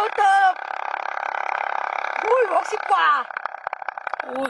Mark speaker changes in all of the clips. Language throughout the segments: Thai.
Speaker 1: วเติบอุ้ย60กว่าอุ้ย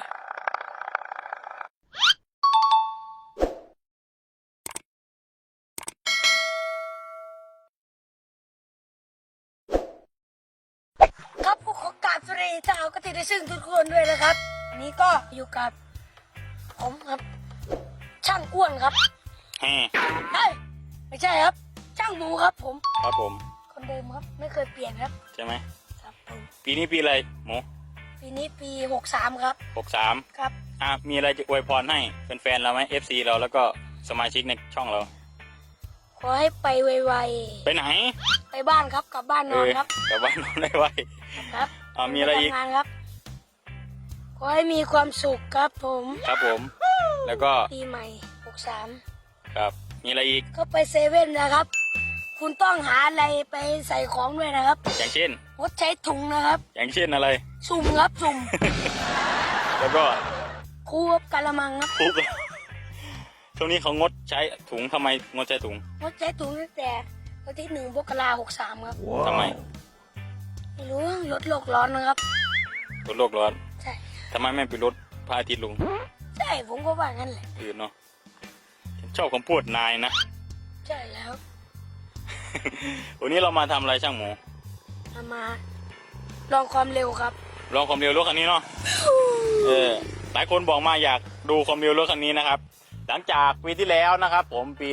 Speaker 1: ครับผู้ขอกราบสวัสดีชาวกติได้ซึ่งทุกคนด้วยนะครับวันนี้ก็อยู่กับผมครับช่างอ้วนครับเฮ้ยไม่ใช่ครับช่างหมูครับผม
Speaker 2: ครับผม
Speaker 1: คนเดิมครับไม่เคยเปลี่ยนครับ
Speaker 2: ใช่ไหม
Speaker 1: ครับผม
Speaker 2: ปีนี้ปีอะไรหมู
Speaker 1: ปีนี้ปี63ครับ
Speaker 2: 63
Speaker 1: ครับ
Speaker 2: มีอะไรจะอวยพรให้แฟนๆเราไหม FC เราแล้วก็สมาชิกในช่องเรา
Speaker 1: ขอให้ไปไว
Speaker 2: ไปไหน
Speaker 1: ไปบ้านครับกลับบ้านนอนครับ
Speaker 2: กลับบ้านนอนได้ไว
Speaker 1: ครับ
Speaker 2: มีอะไรอีก
Speaker 1: งานครับขอให้มีความสุขครับผม
Speaker 2: ครับผมแล้วก็
Speaker 1: ปีใหม่63
Speaker 2: ครับมีอะไรอีก
Speaker 1: ก็ไปเซเว่นนะครับคุณต้องหาอะไรไปใส่ของด้วยนะครับ
Speaker 2: อย่างเช่น
Speaker 1: งดใช้ถุงนะครับ
Speaker 2: อย่างเช่นอะไร
Speaker 1: สุ่มครับสุ่ม
Speaker 2: แล้วก็
Speaker 1: คูบกะละมังครับ
Speaker 2: คุกช่วงนี้เขางดใช้ถุงทำไมงดใช้ถุง
Speaker 1: งดใช้ถุงตั้งแต่วันที่1 มกราคม 63ครับ
Speaker 2: ทำไม
Speaker 1: ไม่รู้ลดโลกร้อนนะครับ
Speaker 2: ลดโลกร้อน
Speaker 1: ใช่
Speaker 2: ทำไมไม่ไปลดพระอาทิตย์ลง
Speaker 1: ใช่ผมก็ว่างั้นแหละ
Speaker 2: เนาะชอบคำพูดนายนะ
Speaker 1: ใช่แล้ว
Speaker 2: วันนี้เรามาทำอะไรช่างหมู
Speaker 1: มาลองความเร็วครับ
Speaker 2: ลองความเร็วรถคันนี้เนาะหลายคนบอกมาอยากดูความเร็วรถคันนี้นะครับหลังจากปีที่แล้วนะครับผมปี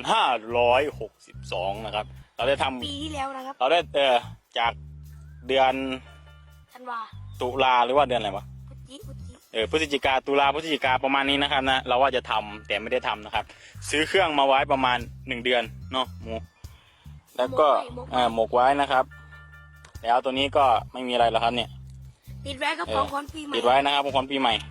Speaker 2: 2562นะครับเราได้ทำ
Speaker 1: ปีที่แล้วนะครับ
Speaker 2: เราได้จากเดือน
Speaker 1: ธันวา
Speaker 2: ตุลาหรือว่าเดือนอะไรวะพฤศจิกาตุลาพฤศจิกาประมาณนี้นะครับนะเราว่าจะทำแต่ไม่ได้ทำนะครับซื้อเครื่องมาไว้ประมาณ1 เดือนเนาะหมูแล้วก็หมกไว้นะครับแล้วตัวนี้ก็ไม่มีอะไรแล้วครับเนี่ย
Speaker 1: ติดไว้ครับของขวัญปีใหม่
Speaker 2: ติดไว้นะครับของขวัญปีใหม่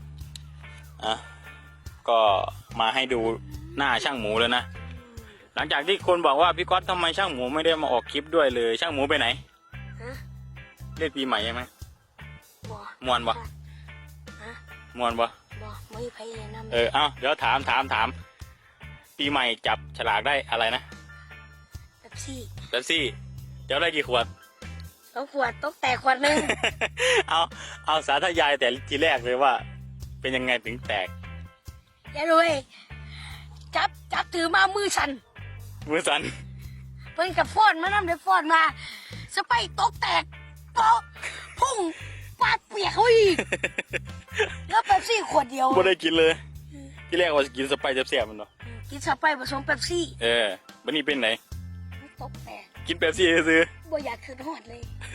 Speaker 2: ก็มาให้ดูหน้าช่างหมูเลยนะหลังจากที่คนบอกว่าพี่ก๊อตทำไมช่างหมูไม่ได้มาออกคลิปด้วยเลยช่างหมูไปไหนเล่นปีใหม่ใช่ไหมมวนบ่มวนบ่
Speaker 1: ไม่ไปเลยนะ
Speaker 2: เดี๋ยวถามปีใหม่จับฉลากได้อะไรนะ
Speaker 1: เป๊ปซี่
Speaker 2: จะได้กี่ขวด
Speaker 1: 2 ขวดตกแตกขวดนึง
Speaker 2: เอาสาธยายแต่ทีแรกเลยว่าเป็นยังไงถึงแตก
Speaker 1: อย่าเลยจับถือมามือสั่น
Speaker 2: เ
Speaker 1: พิ่งกับฟอนมาน้ำเดี๋ยวฟอนมาสไปตกแตกโป๊ะพุ่งปาดเปียกเขาอีกแล้วเป๊ปซี่ขวดเดียว
Speaker 2: ไม่ได้กินเลยที่แรกว่าจะกินสไปเสียบๆมันเนาะ
Speaker 1: กินสไปผสมเป๊ปซี่
Speaker 2: วันนี้เป็นไหน
Speaker 1: ตกแตก
Speaker 2: กินเป๊ปซี่ซื้อ
Speaker 1: บ่อยากคืนหอดเลย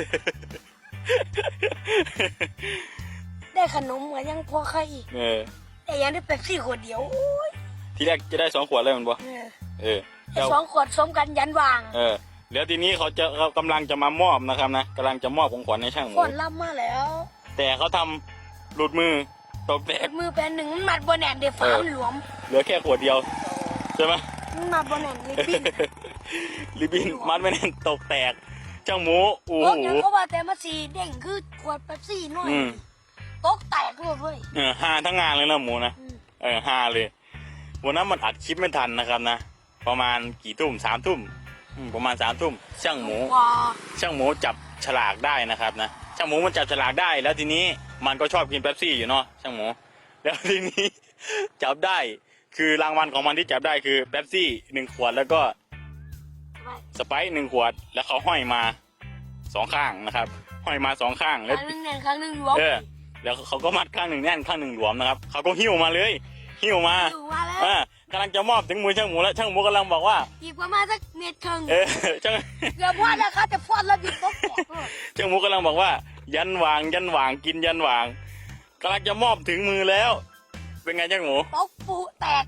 Speaker 1: ได้ขนมเหมือนยังพอใครแต่ยังได้เป๊ปซี่ขวดเดียว
Speaker 2: ทีแรกจะได้2 ขวดเลยมันบ่
Speaker 1: 2 ขวดสมกันยันวาง
Speaker 2: แล้วทีนี้เขากำลังจะมามอบนะครับนะกำลังจะมอบของขวัญในช่างหมู
Speaker 1: ขวัญล่ำมาแล้ว
Speaker 2: แต่เขาทำหลุดมือตกแตก
Speaker 1: มือเป็น1มันมัดบนแหนเดี๋ยวฝามันหลวม
Speaker 2: เหลือแค่ขวดเดียวใช่ไหม
Speaker 1: มันมัดบนแหน
Speaker 2: ริบบิ้นมัดไม่แน่นตกแตกช่างหมูโอ้โห
Speaker 1: ยังเขาว่าแต่มาสีเด้งคือขวดเป๊ปซี่น้อยตกแตกเลย
Speaker 2: ฮาทั้งงานเลยนะหมูนะฮาเลยวันนั้นมันอัดคลิปไม่ทันนะครับนะประมาณกี่ทุ่ม3 ทุ่มประมาณ3 ทุ่มช่างหมูจับฉลากได้นะครับนะช่างหมูมันจับฉลากได้แล้วทีนี้มันก็ชอบกินเป๊ปซี่อยู่เนาะช่างหมูแล้วทีนี้จับได้คือรางวัลของมันที่จับได้คือเป๊ปซี่1 ขวดแล้วก็สไปซ์1 ขวดแล้วเขาห้อยมา2 ข้างนะครับห้อยมา2 ข้างแล้ว
Speaker 1: ข้างนึงแน่นข้างนึงหลวม
Speaker 2: แล้วเขาก็มัดข้างหนึ่งแน่นข้างหนึ่งหลวมนะครับเขาก็หิ้วมาเลยหิ้วมากำลังจะมอบถึงมือช่างหมูแล้วช่างหมูกำลังบอกว่า
Speaker 1: อีกประมาณสัก1 เมตร
Speaker 2: ช่าง
Speaker 1: เกือบพอแล้วครับจะฟอดแล้วบิดตกแตก
Speaker 2: ช่างหมูกำลังบอกว่ายันวางกินยันวางกำลังจะมอบถึงมือแล้วเป็นไงช่างหมู
Speaker 1: ตกปูแตก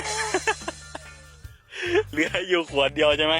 Speaker 2: เหลืออยู่ขวดเดียวใช่ไหม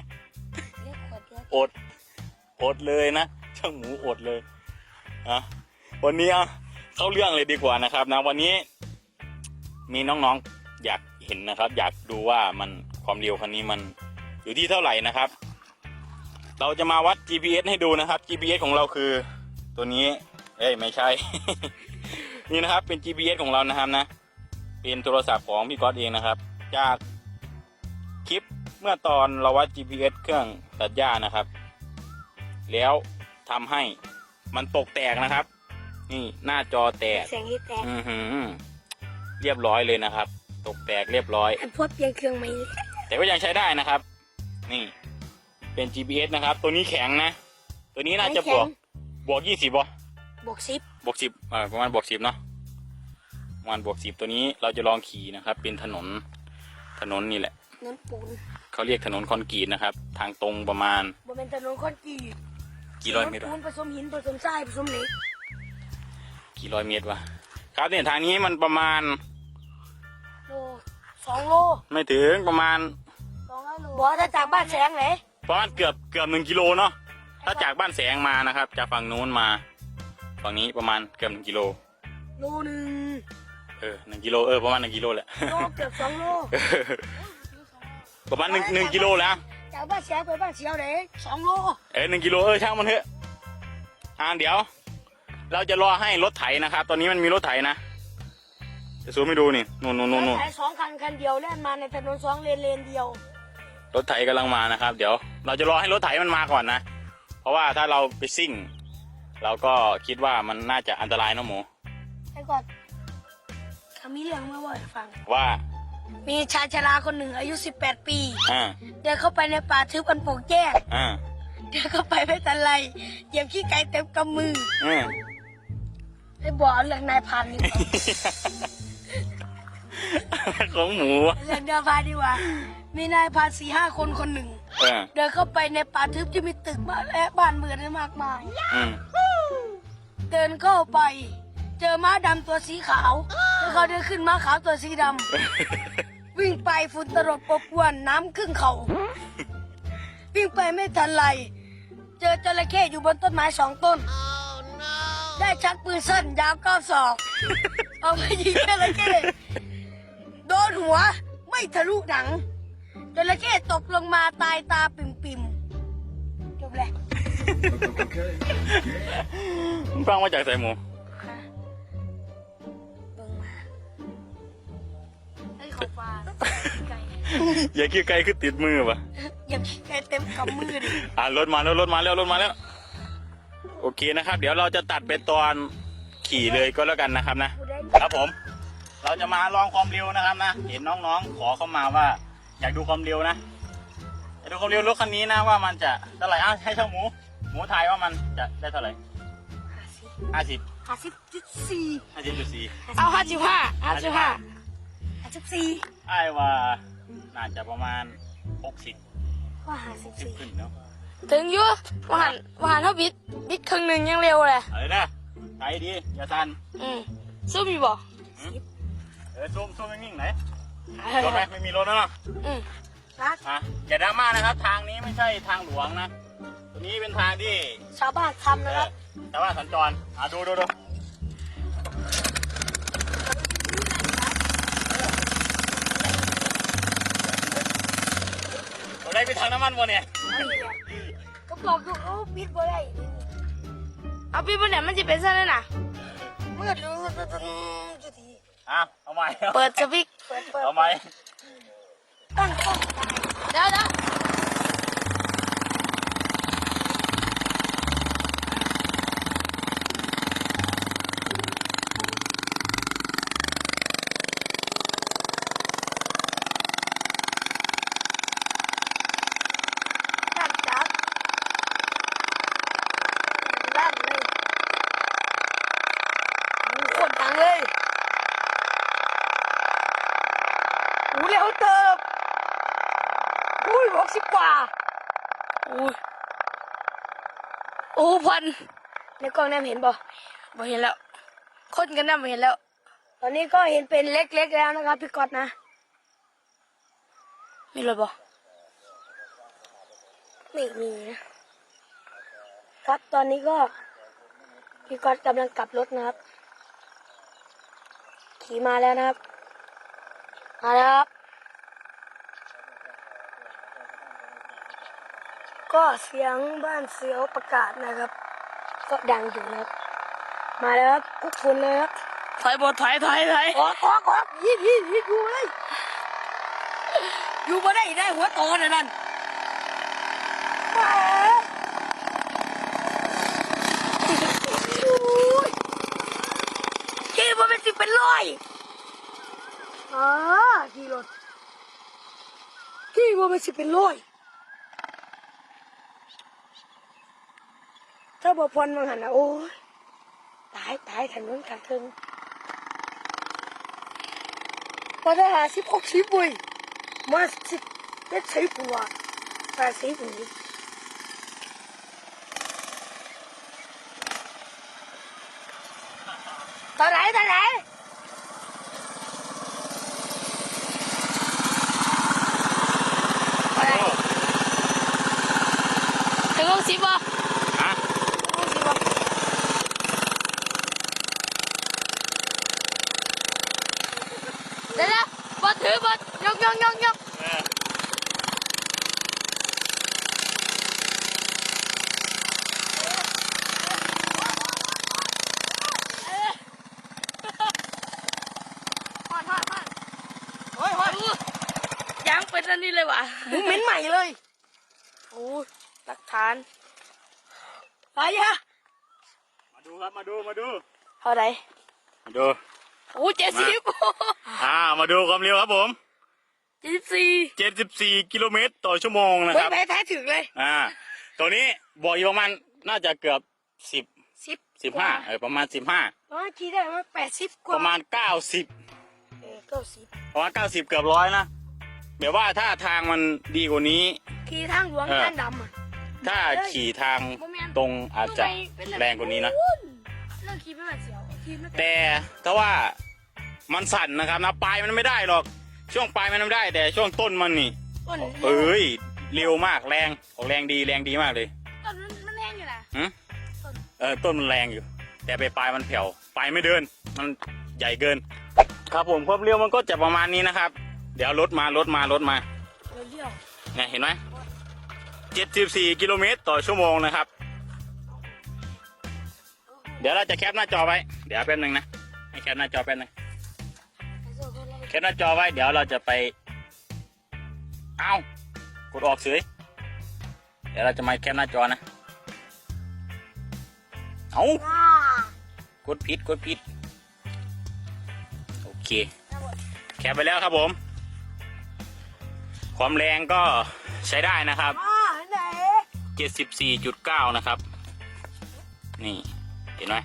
Speaker 2: อดเลยนะช่างหมูอดเลยวันนี้เข้าเรื่องเลยดีกว่านะครับนะวันนี้มีน้องๆอยากเห็นนะครับอยากดูว่ามันความเร็วคันนี้มันอยู่ที่เท่าไหร่นะครับเราจะมาวัด GPS ให้ดูนะครับ GPS ของเราคือตัวนี้ไม่ใช่ นี่นะครับเป็น GPS ของเรานะครับนะเป็นโทรศัพท์ของพี่ก๊อตเองนะครับจากคลิปเมื่อตอนเราวัด GPS เครื่องตัดหญ้านะครับแล้วทำให้มันตกแตกนะครับ นี่หน้าจอแตก
Speaker 1: แสงที่แตก
Speaker 2: เรียบร้อยเลยนะครับ ตกแตกเรียบร้อย
Speaker 1: อันพวกเปลี่ยนเครื่องไหม
Speaker 2: แต่ก็ยังใช้ได้นะครับ นี่เป็น GPS นะครับ ตัวนี้แข็งนะ ตัวนี้น่าจะบวก20บ่
Speaker 1: บวก10
Speaker 2: บวก10ประมาณบวก10เนาะประมาณบวก10ตัวนี้เราจะลองขี่นะครับ เป็นถนนนี่แหละ
Speaker 1: น้ำปูน
Speaker 2: เขาเรียกถนนคอนกรีตนะครับ ทางตรงประมาณ
Speaker 1: บนเป็นถนนคอนกรีต
Speaker 2: กี่ร้อยเมตร
Speaker 1: ปู
Speaker 2: วะ
Speaker 1: นผสมหินผสมทรายผสมเหล็ก
Speaker 2: กี่ร้อยเมตรวะครับเนี่ยทางนี้มันประมาณ
Speaker 1: โล2 โล
Speaker 2: ไม่ถึงประมาณ
Speaker 1: 200 โลบอกถ้าจากบ้านแสงไหน
Speaker 2: ประมาณเกือบ1 กิโลเนาะถ้าจากบ้านแสงมานะครับจากฝั่งนู้นมาฝั่งนี้ประมาณเกือบ1 กิโล
Speaker 1: โลหนึ่ง
Speaker 2: 1 กิโลประมาณ1 กิโลแหละ
Speaker 1: โลเกือบ2 โล
Speaker 2: ประมาณ1 กิโลแล้ว
Speaker 1: จากบ้านแสงไปบ้านเสียวไหน2 โล
Speaker 2: 1 กิโลช่างมันเถอะเดี๋ยว เราจะรอให้รถไถนะครับ ตอนนี้มันมีรถไถนะจะซูมให้ดูนี่นู่น
Speaker 1: ใช้2 คันเดียวแล่นมาในถนน2 เลนเดียว
Speaker 2: รถไถกำลังมานะครับ เดี๋ยวเราจะรอให้รถไถมันมาก่อนนะเพราะว่าถ้าเราไปซิ่ง เราก็คิดว่ามันน่าจะอันตรายเนอะหมู
Speaker 1: ไอ้ก่อนเขามีเรื่องมาบ่อยฟัง
Speaker 2: ว่า
Speaker 1: มีชายชราคนหนึ่งอายุ18 ปี
Speaker 2: อ่า
Speaker 1: เดินเข้าไปในป่าทึบอันโปร่งแจ้ง
Speaker 2: อ่า
Speaker 1: เดินเข้าไปไม่ทันไรเหยียบขี้ไก่เต็มกำมือ
Speaker 2: อืม
Speaker 1: ไอ้บอกเรื่องนายพันนี่ก่อน
Speaker 2: ของหมู
Speaker 1: เรื่องเดินพานดีกว่า มีนายพัน4-5 คนคนหนึ่ง เดินเข้าไปในป่าทึบที่มีตึกบ้านและบ้านเมืองมากมาย
Speaker 2: อืม
Speaker 1: เดินเข้าไป เจอม้าดำตัวสีขาวแล้วเขาเดินขึ้นม้าขาวตัวสีดำ วิ่งไปฝุ่นตลบปบกวนน้ำครึ่งเขาวิ่งไปไม่ทันไร เจอจระเข้อยู่บนต้นไม้2 ต้น ได้ชักปืนสั้นยาว9 ศอก เอาไปยิงจระเข้โดนหัวไม่ทะลุหนังจระเข้ตกลงมาตายตาปิ่มๆจบเลย
Speaker 2: มึงฟังมาจากใส่หมู
Speaker 1: เบิ่งมาไอ้ของฟ้าไก่
Speaker 2: อย่าคิดไกลคือติดมือปะ
Speaker 1: อย่าขี้ไก่เต็มกำมือดิ
Speaker 2: รถมาแล้วโอเคนะครับ เดี๋ยวเราจะตัดไปตอนขี่เลยก็แล้วกันนะครับนะ ครับผม เราจะมาลองความเร็วนะครับนะ เห็นน้องๆขอเข้ามาว่า อยากดูความเร็วนะอยากดูความเร็วรถคันนี้นะว่ามันจะเท่าไหร่ให้ช่างหมูทายว่ามันจะได้เท่าไหร่50
Speaker 1: 50.4
Speaker 2: 50.4
Speaker 1: เอา55 54
Speaker 2: ไอ้ว่าน่าจะประมาณ60
Speaker 1: ว่า
Speaker 2: 10ขึ้นเนาะ
Speaker 1: 54ถึงอยู่ว่าหันเท่าบิดครึ่งหนึ่งยังเร็วเลย
Speaker 2: อะไรนะใจดีอย่าตัน
Speaker 1: สู้มีบ่
Speaker 2: ซูมนิ่งๆไหนรถไหมไม่มีรถแล้วเนาะ
Speaker 1: รัก
Speaker 2: อย่าดราม่านะครับ ทางนี้ไม่ใช่ทางหลวงนะตัวนี้เป็นทางที่
Speaker 1: ชาวบ้านทำนะครับ
Speaker 2: แต่ว่าสัญจรดูเราได้ไปทางน้ำมันวะเนี่ย
Speaker 1: ก็บอกอยู่ปิดบ่ได้เอาปิดบ่ได้มันจะเป็นซะเลยนะมืดรู้จุดที
Speaker 2: เอาใหม่
Speaker 1: เปิดสวิตช์เปิด
Speaker 2: เอาใหม่
Speaker 1: ตั้งกล้องเดี๋ยวลั่นเลยโคตรดังเลยเร็วเติบ60 กว่าพันในกล้องนั่นเห็นบ่เห็นแล้วคนกันนั่นเห็นแล้ว ตอนนี้ก็เห็นเป็นเล็กๆแล้วนะครับพี่ก๊อตนะมีรถบ่ไม่มีนะครับตอนนี้ก็พี่ก๊อตกำลังกลับรถนะครับขี่มาแล้วนะครับมาแล้วครับก็เสียงบ้านเสียวประกาศนะครับก็ดังอยู่นะครับมาแล้วครับกุ๊กฝุ่นเลยครับถอยขอยิดอยู่เลยอยู่บ่ได้หัวโตนั่นเป็นร้อยขี่รถขี่ว่ามันสิเป็นร้อยถ้าบ่พรมังหันนะโอ้ยตายถนนกันทึงมาได้50-60เว้ยมา10-70หัว80หัวตอนไหนถึง60ป่ะ
Speaker 2: ฮะ
Speaker 1: 60ป่ะเดี๋ยวบอถือบอยก
Speaker 2: เออ
Speaker 1: โอ้ยยังเป็นอันนี้เลยว่ะมึงเหม็นใหม่เลยโอ้หลักฐานไปฮะ
Speaker 2: มาดูครับมาดู
Speaker 1: เท่าไหร่
Speaker 2: มาดู
Speaker 1: โอ้70
Speaker 2: มาดูความเร็วครับผม
Speaker 1: 74
Speaker 2: 74กิโลเมตรต่อชั่วโมงนะค
Speaker 1: ไม่
Speaker 2: รับ
Speaker 1: แพ้แท้ถึงเลย
Speaker 2: ตัวนี้บอกอยู่ประมาณน่าจะเกือบ
Speaker 1: 10
Speaker 2: 15ประมาณ15
Speaker 1: ขี่ได้มา80กว่า
Speaker 2: ประมาณ90
Speaker 1: 90
Speaker 2: ประมาณ90เกือบร้อยนะแบบว่าถ้าทางมันดีกว่านี้
Speaker 1: ขี่ทางหลวงทางดำอ่ะ
Speaker 2: ถ้าขี่ทางตรงอาจจะแรงกว่านี้นะ
Speaker 1: เรื่องขี่ไม่แบบเสียวขี่ไม่เป็น
Speaker 2: แต่ถ้าว่ามันสั่นนะครับนะปลายมันไม่ได้หรอก ช่วงปลายมันไม่ได้ แต่ช่วงต้นมันนี่
Speaker 1: ต้น
Speaker 2: เอ้ยเร็วมากแรงออกแรงดีมากเลย
Speaker 1: ต้นมันแรงอยู่นะ
Speaker 2: ต้นมันแรงอยู่ แต่ปลายมันแผ่วปลายไม่เดิน มันใหญ่เกิน ครับผมความเร็วมันก็จะประมาณนี้นะครับ เดี๋ยวรถมา
Speaker 1: เลี้ยว
Speaker 2: เนี่ยเห็นไหม74กิโลเมตรต่อชั่วโมงนะครับ เดี๋ยวเราจะแคปหน้าจอไว้เดี๋ยวแป๊บนึงนะให้แคปหน้าจอแป๊บนึงแคปหน้าจอไว้เดี๋ยวเราจะไปกดออกเฉยเดี๋ยวเราจะมาแคปหน้าจอนะกดผิดโอเคแคปไปแล้วครับผมความแรงก็ใช้ได้นะครับ
Speaker 1: ไหน
Speaker 2: 74.9 นะครับนี่เห็นไหม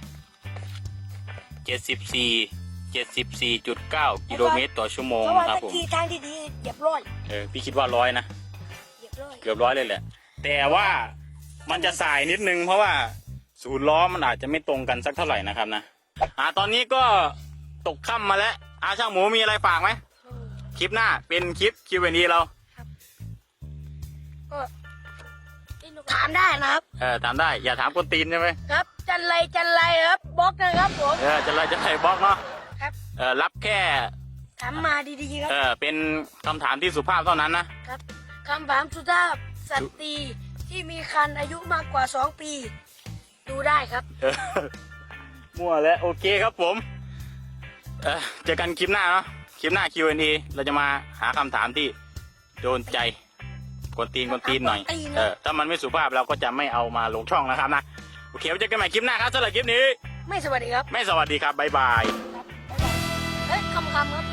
Speaker 2: 74.9 กิโลเมตรต่อชั่วโมง
Speaker 1: เพราะว่า
Speaker 2: นะครับ
Speaker 1: ตะ
Speaker 2: ผม
Speaker 1: กี้ทางดีๆเหยียบร้อย
Speaker 2: พี่คิดว่า100นะ
Speaker 1: เหยียบร้อย
Speaker 2: เกือบ100เลยแหละแต่ว่ามันจะสายนิดนึงเพราะว่าศูนย์ล้อมันอาจจะไม่ตรงกันสักเท่าไหร่นะครับนะตอนนี้ก็ตกค่ำมาแล้วช่างหมูมีอะไรฝากไหมคลิปหน้าเป็นคลิป Q&A เรา
Speaker 1: ก็ถามได้นะครับ
Speaker 2: ถามได้อย่าถามคนตีนใช่ไหม
Speaker 1: ครับจันไรครับบล็อกนะครับผม
Speaker 2: จะไรบล็อกเนาะ
Speaker 1: ครับ
Speaker 2: รับแค่
Speaker 1: ถามมาดีๆครับ
Speaker 2: เป็นคำถามที่สุภาพเท่านั้นนะครับ
Speaker 1: คำถามสุภาพสตรีที่มีคันอายุมากกว่า2 ปีดูได้ครับ
Speaker 2: มั่วแล้วโอเคครับผมเจอกันคลิปหน้าเนาะคลิปหน้า Q&A เราจะมาหาคำถามที่โดนใจกวนตีนหน่อยถ้ามันไม่สุภาพเราก็จะไม่เอามาลงช่องนะครับนะโอเคไว้เจอกันใหม่คลิปหน้าครับสำหรับคลิปนี้
Speaker 1: ไม่สวัสดีครับ
Speaker 2: ไม่สวัสดีครับบ๊ายบาย
Speaker 1: เฮ้ยคำครับ